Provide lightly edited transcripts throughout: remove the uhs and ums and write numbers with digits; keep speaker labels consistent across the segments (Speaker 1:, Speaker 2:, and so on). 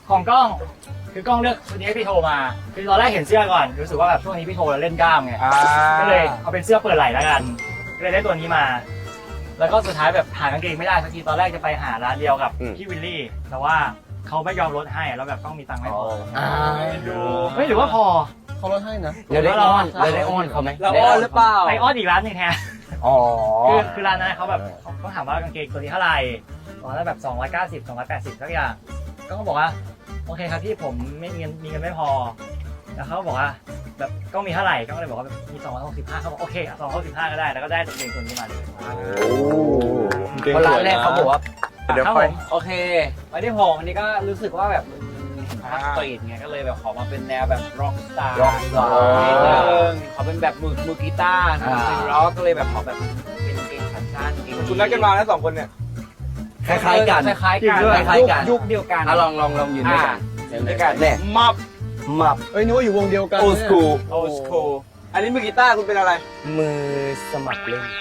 Speaker 1: ของกล้องคือกล้องเลือกตัวนี้ให้พี่โทมาคือตอนแรกเห็นเสื้อก่อนรู้สึกว่าแบบช่วงนี้พี่โทเล่นกล้ามไงก็เลยเอาเป็นเสื้อเปิดไหล่แล้วกันก็เลยได้ตัวนี้มา แล้วก็สุดท้ายแบบหากางเกงไม่ได้สักทีตอนแรกจะไปหาร้านเดียวกับพี่วิลลี่แต่ว่าเขาไม่ยอมลดให้แล้วแบบต้องมีตังค์ไม่พอดูไม่หรือว่าพอ
Speaker 2: เขาลดให้นะ
Speaker 3: เดี๋ยวได้อ้อนเขาไหม
Speaker 4: เราอ้อนหรือเปล่า
Speaker 1: ไปอ้อนอีกร้านหนึงแทน
Speaker 3: อ๋อ
Speaker 1: คือร้านนั้นเขาแบบเขาถามว่ากางเกงตัวนี้เท่าไหร่ตอนนั้นแบบ290 280สักอย่างก็เขาบอกว่าโอเคครับพี่ผมไม่มีเงินไม่พอแล้วเขาบอกว่าแบบก็มีเท่าไหร่ก็เลยบอกว่ามี265เขาบอกโอเค265ก็ได้แล้วก็ได้กางเกงตัวนี้มาเลย
Speaker 3: เพราะร้านแรกเขาบอกว่า
Speaker 2: เดี๋ยว
Speaker 1: ครับ
Speaker 2: ค่
Speaker 1: ผ
Speaker 2: อย
Speaker 1: ม
Speaker 4: โอเควันที่6วันนี้ก็รู้สึกว่าแบบพักสตรีทไงก็เลยแบบขอมาเป็นแนวแบบร็อกสตาร์
Speaker 3: Rockstar
Speaker 4: นิดนึงขอเป็นแบบมือกีตาร์เป็นร็อกก็เลยแบบขอแบบเป็นเกงขาสั้นเกง
Speaker 5: คุณนัดกันมาแล้ว2 คนเนี่ย
Speaker 3: คล้ายๆกัน
Speaker 4: คล้ายๆกัน
Speaker 3: คล้ายๆกัน
Speaker 4: ยุคเดียวกัน
Speaker 3: ลองยืนด้วยกัน
Speaker 4: ด้วยกัน
Speaker 3: เนี่ย
Speaker 5: มับ
Speaker 3: มับ
Speaker 2: เอ้ยนึกว่าอยู่วงเดียวกัน
Speaker 3: โอสกูล
Speaker 5: โอสโคอันนี้มือกีตาร์คุณเป็นอะไร
Speaker 3: มือสมัครเล่น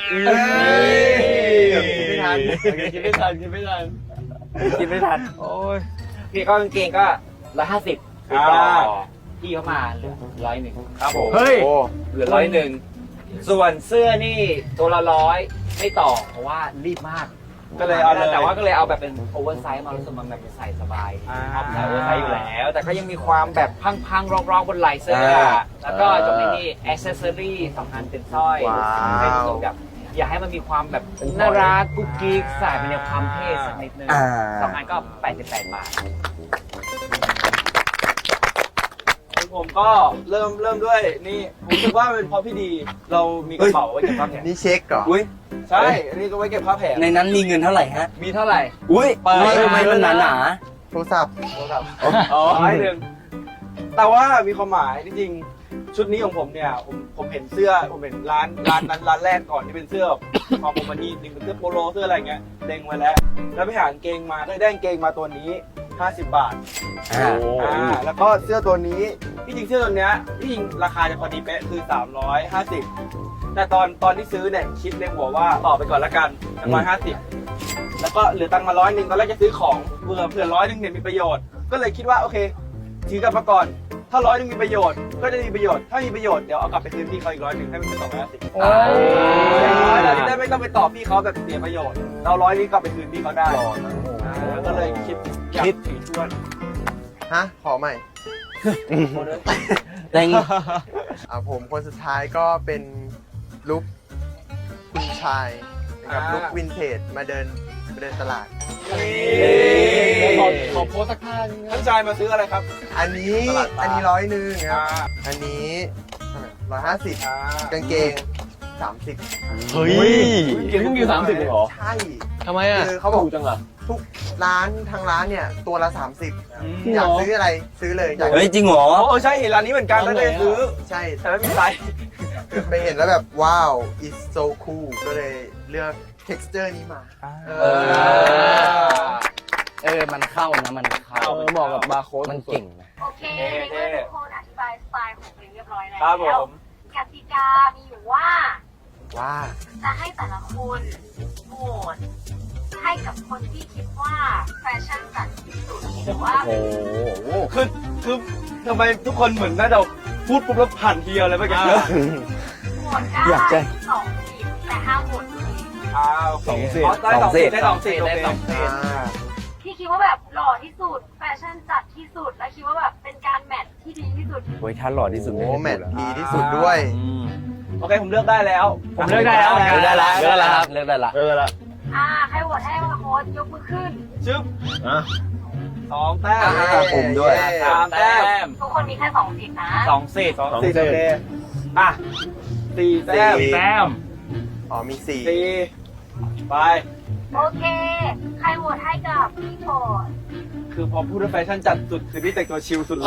Speaker 5: ไม่ทัน
Speaker 4: คิดไม่ทันคิดไม่ทันโอ้ยพี่ก็กางเกงก็150ต่อพี่เขามาเหลือ100
Speaker 5: ครับผม
Speaker 1: เฮ้ย
Speaker 4: เหลือ100ส่วนเสื้อนี่ตัวละ100ไม่ต่อเพราะว่ารีบมาก
Speaker 5: ก็เลยเอาเลย
Speaker 4: แต่ว่าก็เลยเอาแบบเป็นโอเวอร์ไซส์มารู้สึกมันแบบใส่สบายชอบใส่โอเวอร์ไซส์อยู่แล้ว แต่ก็ยังมีความแบบพังๆร้องๆบนไหล่เสื้อแล้วก็จบในนี่แอ c เซสซอรี่สำคัญเป็นสร้อยให้รู้สึกแบบอยากให้มันมีความแบบน่ารักกุ๊กกิ๊กใส่เป็นแนวความเท่สักนิดนึงสองอันก็88 บาท
Speaker 5: ผมก็เริ่มด้วยนี่ผมรู้สึกว่าเป็นเพราะพี่ดีเรามีกระเป๋าไว้เก็บผ้าแผง
Speaker 2: นี่เช็คเหรอ
Speaker 3: อุ้ย
Speaker 5: ใช่อันนี้ก็ไว้เก็บผ้าแผง
Speaker 3: ในนั้นมีเงินเท่าไหร่ฮะ
Speaker 4: มีเท่าไหร่
Speaker 3: อุ้ยทำไมมันหนา
Speaker 2: โทรศัพท์
Speaker 5: อ๋อ1นึงแต่ว่ามีความหมายจริงๆชุดนี้ของผมเนี่ยผมเห็นเสื้อผมเห็นร้านนั้นร้านแรกก่อนที่เป็นเสื้อของผมมันนี่จริงเป็นเสื้อโปโลเสื้ออะไรเงี้ยเล็งไว้แล้วไปหากางเกงมาก็ได้กางเกงมาตัวนี้50 บาท แล้วก็เสื้อตัวนี้ที่จริงเสื้อตัวเนี้ยที่จริงราคาจะพอดีเป๊ะคือ350แต่ตอนที่ซื้อเนี่ยคิดในหัวว่าต่อไปก่อนละกัน150แล้วก็เหลือตังค์มา100ตอนแรกจะซื้อของเผื่อ100เนี่ยมีประโยชน์ก็เลยคิดว่าโอเคถือกลับมาก่อนถ้า100มีประโยชน์ก็จะมีประโยชน์ถ้ามีประโยชน์เดี๋ยวเอากลับไปคืนพี่เขาอีก100ให้มันเป็น250เราจะได้ไม่ต้องไปตอบพี่เขาแบบเสียประโยชน์เรา100นี้กลับไปคืนพี่เขาได้ก็เลยคิดอยากถือชวน
Speaker 2: ฮะ ขอใหม่
Speaker 3: ๆแต่
Speaker 2: ผมคนสุดท้ายก็เป็นลุคคุณชายนะครับลุควินเทจมาเดินตลาด
Speaker 5: ขอโพสสักท่านึงท่านชายมาซื้ออะไรครับ
Speaker 2: อันนี้100ครับอันนี้150กางเกง30
Speaker 3: เฮ้ย
Speaker 4: เกงเพิ่งมี30เลยเหรอ
Speaker 2: ใช่
Speaker 4: ทำไมอ่ะ
Speaker 2: คือเขาบอก
Speaker 4: ถูกจังเหรอ
Speaker 2: ทุกร้านทางร้านเนี่ยตัวละ30อยากซื้ออะไรซื้อเลยอยาก
Speaker 3: เฮ้ยจริงเหรอ
Speaker 5: โอ้ใช่เห็นร้านนี้เหมือนกันแล้วเลยซื้อ
Speaker 2: ใช่
Speaker 5: แต่ไม่มีไซส์
Speaker 2: คือไปเห็นแล้วแบบว้าว it's so cool ก็เลยเลือก texture นี้มา
Speaker 3: มันเข้านะมันเข้า
Speaker 4: เหมาะกับบาร์โค้ด
Speaker 3: มันเก่งนะ
Speaker 6: โอเคในเมื่อทุกคนอธิบายสไตล์ของตัวเองเรียบร้อยแล้ว
Speaker 5: ครับผม
Speaker 6: กติกามีอยู่ว่า
Speaker 2: ว่า จะ
Speaker 6: ให้แต่ละคนโหวตให้กับคนที่คิดว่าแฟชั่นจัดที่สุดหรือว่า
Speaker 5: คือทำไมทุกคนเหมือนน่าจะพูดปุ๊บแล้วผ่านเทียวเลยเมื่อกี้
Speaker 6: โหวตได้
Speaker 3: อยากจะ
Speaker 6: 2 ทีมแต่ห้ามโหวตตัวเอง
Speaker 5: โอเค
Speaker 4: ได้2 สิทธิ์ได้2 สิทธิ์
Speaker 6: ที่คิดว่าแบบหล่อที่สุดแฟชั่นจัดที่สุดและคิดว่าแบบเป็นการแมทที่ดีที่สุด
Speaker 3: โอ้ยถ้าหล่อที่สุด
Speaker 2: โอ้แมทดีที่สุดด้วย
Speaker 5: โอเคผมเลือกได้แล้ว
Speaker 1: ผมเลือกได้แล้ว
Speaker 3: เลือกได้ละเลือกได้ละเลือกได้ละ
Speaker 6: ใครโหวตให้มาโค้ดยกมือขึ้น
Speaker 5: ชึบ2 แต้ม
Speaker 3: ผมด้วย
Speaker 5: 3 แต้ม
Speaker 6: ทุกคนมีแค่2 สิทธิ์นะ
Speaker 4: 2 สิทธิ์
Speaker 5: 2 4โอเค4 แต้ม
Speaker 1: แต้ม
Speaker 2: อ๋อมี4
Speaker 5: 4ไป
Speaker 6: โอเค ใครโหวตให้กับพี่โพด
Speaker 5: คือพอพูดว่าแฟชั่นจัดสุดคือนี่แต่งตัวชิลสุดเลย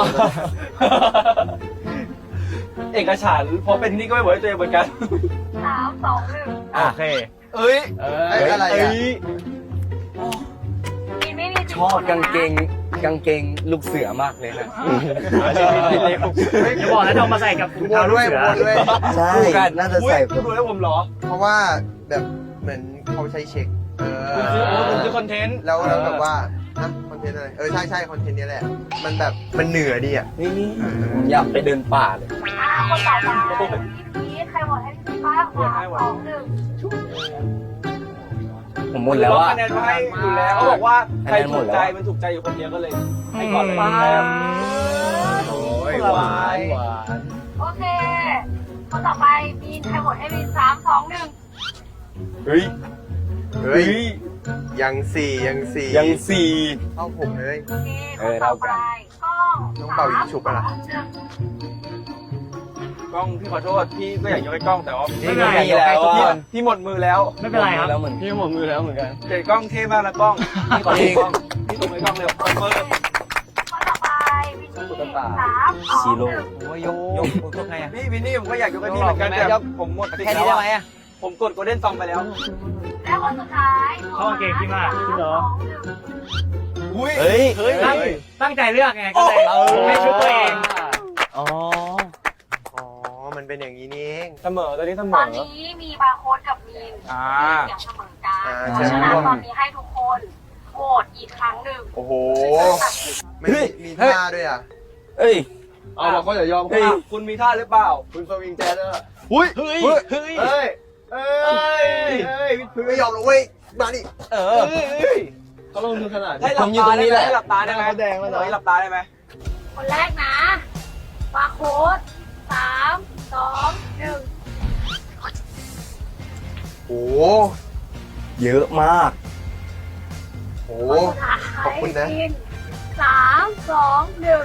Speaker 5: เอกฉันท์พอเป็นนี่ก็ไม่เหมือนตัวเองเหมือนกัน
Speaker 6: 3 2 1
Speaker 1: โอเค
Speaker 5: เอ้ย
Speaker 2: อะไรอ่ะ
Speaker 6: มีไม่มี
Speaker 3: ชอบกางเกงลูกเสือมากเลยนะ
Speaker 1: อย่าบอกนะจะเอามาใส่กับถุง
Speaker 2: บัว
Speaker 1: เท้าลู
Speaker 2: ด้
Speaker 1: ก
Speaker 2: วย
Speaker 1: เสือ
Speaker 2: บัวด้วย
Speaker 3: ใช่น่าจะ
Speaker 5: อุ้ย
Speaker 3: ใส่
Speaker 5: คุณดูให้ผมเหรอ
Speaker 2: เพราะว่าแบบเหมือนเขาใช้เช็ค
Speaker 5: ผมซื้อคอนเทนต์
Speaker 2: แล้วแบบว่าฮะคอนเทนต์อะไรใช่คอนเทนต์นี้แหละ มันแบบมันเหนือดีอ่ะ
Speaker 3: นี่อยากไปเดินป่าเลย
Speaker 6: คนต่อไปพี่พีทใครหมดให้พี่พีทบ้าง3 2 1
Speaker 3: ผมหมดแล้วอะ
Speaker 5: คะแนนมาให้อยู่แล้วเขาบอกว่าใคร
Speaker 3: คะแนนหม
Speaker 5: ถู
Speaker 3: ด
Speaker 5: ก
Speaker 3: แล้ว
Speaker 5: ใจมันถูกใจอยู่คนเดียวก็เลยให้ก่อนเลย
Speaker 2: โอ้ย
Speaker 3: หวาน
Speaker 6: โอเค คนต่อไปมีนใครหมดให้มีน3 2 1
Speaker 3: เฮ้ย
Speaker 2: เฮ้ยยังสี่
Speaker 3: ยังสี่
Speaker 2: เข้าผมเลย
Speaker 6: โอเคคนต่อไปกล้อง
Speaker 2: น้องเป่ายิงฉุบอะล่ะ
Speaker 5: กล้องพี่ขอโทษพี่ก็อยากยกให้กล้องแต่ว่า
Speaker 1: ไม่เป็นไร
Speaker 3: มีแล้ว
Speaker 5: พี่หมดมือแล้ว
Speaker 1: ไม่เป็นไรครับ
Speaker 3: แล้วเหมือนพี่หมดมือแล้วเหมือนกัน
Speaker 5: แต่กล้องเท่มากนะกล้องพี่ขอโทษกล้องพี่ตรงไอ้กล้องเร็วเปิด
Speaker 6: คนต่อไปวินนี่3
Speaker 3: ซี
Speaker 6: 2
Speaker 3: โร่
Speaker 6: 1
Speaker 4: โอ้ยยกไงอ่ะ
Speaker 5: นี่วินนี่ผมก็อยากยกให้พี่เหมือนกันแต่ผมหมดสิท
Speaker 4: แค่
Speaker 5: ธิ์
Speaker 4: นี้
Speaker 5: แล้ว
Speaker 4: ได้ไหมอ่ะ
Speaker 5: ผมกดโกลเด้นซองไปแล้ว
Speaker 6: และคนสุดท้าย
Speaker 1: เข้ากางเกงพี่มากจริงเหรอ
Speaker 5: อุ้ย
Speaker 3: เฮ้ย
Speaker 1: ตั้งใจเลือกไงก็เลยให้ชุดตัวเอง
Speaker 3: อ๋อ
Speaker 2: อ๋อ มันเป็นอย่างนี้นี่เอง
Speaker 5: เสมอตอนนี้เสม
Speaker 6: ตอ
Speaker 5: อน
Speaker 6: นี้มีบาร์โค้ดกับมีน
Speaker 5: อ่า
Speaker 6: เสียงเสมอกัน
Speaker 2: อ่า
Speaker 6: เพราะฉะนั้นตอนนี้ให้ทุกคนโหวตอีกครั้งหนึ่ง
Speaker 2: โอ้โห
Speaker 6: ตัดสิน
Speaker 2: ไม่มีท่าด้วยอ่ะ
Speaker 3: เอ้ย
Speaker 5: เอาบอกเขาอย่ายอมคุณมีท่าหรือเปล่า
Speaker 2: คุณสวิงแจ๊ดอ่ะหุ้ยเฮ้ยเฮ้ยเฮ้ยไม่ยอมหรอกเว้ยมาดิ
Speaker 3: เออ
Speaker 2: เขาลงทุนขนาด
Speaker 5: ให้หลับ
Speaker 3: ผมอยู่
Speaker 5: ตา
Speaker 3: ตรงนี้
Speaker 5: ได้ไหม
Speaker 3: แหละ
Speaker 5: ให้หลับตาได้ไหม
Speaker 2: แดงแล้วเหรอ
Speaker 5: ให้หลับตาได้ไหม
Speaker 6: คนแรกนะบาร์โค้ด3 2 1
Speaker 2: โอ้
Speaker 3: เยอะมาก
Speaker 2: โห
Speaker 6: สุดท้าย
Speaker 2: ขอบคุณนะ
Speaker 6: มีน3 2 1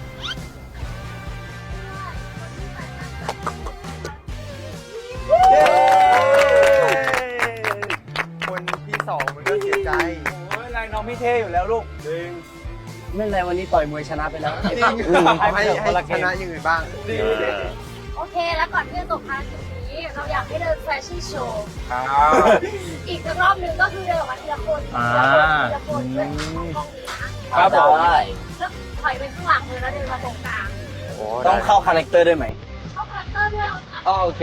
Speaker 2: คนที่สองมันก็เสียใจ
Speaker 5: โอ้ยนายน้องพี่เท่อยู่แล้วลูกจริง
Speaker 3: ไม่เป็นไรวันนี้ต่อยมวยชนะไปแล้ว
Speaker 2: จริงให้ชนะอย่างอื่นบ้าง
Speaker 5: ดี
Speaker 6: โอเค แล้วก่อนที่จะจบภารกิจนี้ เราอยากให้เดินแฟชั่นโชว์
Speaker 5: อ้าว
Speaker 6: อีกสักรอบหนึ่งก็คือเดินออกมาทีละคนทีละคนเพื่อของกล้องนี้นะครับ
Speaker 3: ผม
Speaker 6: แล้วถอยไปข้างหลังเลยแล้วเดินมาตรงกลาง
Speaker 2: โอ้
Speaker 3: ต้องเข้าคาแรคเตอร์ด้วยไหม
Speaker 6: เข้าคาแรคเตอร์ด้วยเหรอคะ
Speaker 3: อ๋อโอเค